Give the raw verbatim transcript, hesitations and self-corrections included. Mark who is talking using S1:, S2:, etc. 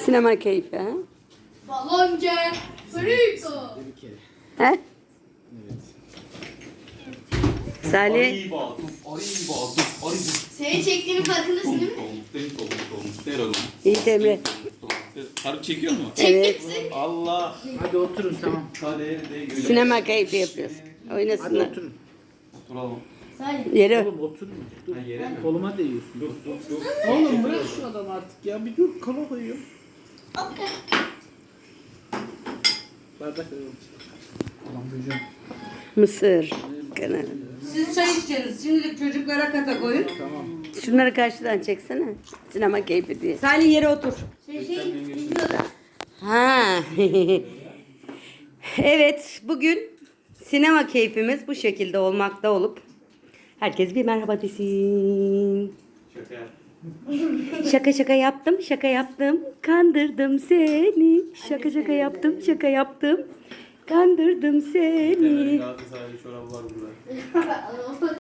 S1: Sinema keyfi ha?
S2: Balonca. Frito.
S3: Bir kere.
S1: He?
S3: Evet.
S1: Salih.
S4: Arriba, tuf, arriba, tuf, arriba.
S2: Seni çektiğimin farkındasın değil mi?
S1: İyi Emre.
S4: Harbi çekiyor mu?
S1: Evet.
S4: Allah.
S3: Hadi oturun tamam.
S4: Kaderde güle.
S1: Sinema keyfi yapıyoruz.
S3: Hadi
S1: Oynasınlar.
S3: oturun.
S4: Oturalım.
S2: Salih.
S1: Yere.
S3: Oğlum oturun. Dur.
S4: Ha, yere mi?
S3: Koluma değiyorsun.
S4: Dur dur dur.
S3: Oğlum bırak şu adamı artık ya. Bir dur kola koyuyorum. Bardak veriyorum. Ulan hocam.
S1: Mısır. Kanal.
S5: Siz çay içeceksiniz. Şimdilik çocuklara kata koyun.
S3: Tamam.
S1: Şunları karşıdan çeksene. Sinema keyfi diye.
S5: Salih yere otur.
S2: Şey şey videoda.
S1: Ha. Evet, bugün sinema keyfimiz bu şekilde olmakta olup herkes bir merhaba desin.
S4: Şaka.
S1: Şaka şaka yaptım, şaka yaptım. Kandırdım seni. Şaka şaka yaptım, şaka yaptım. Kandırdım seni.
S4: Galatasaraylı çorabı var burada.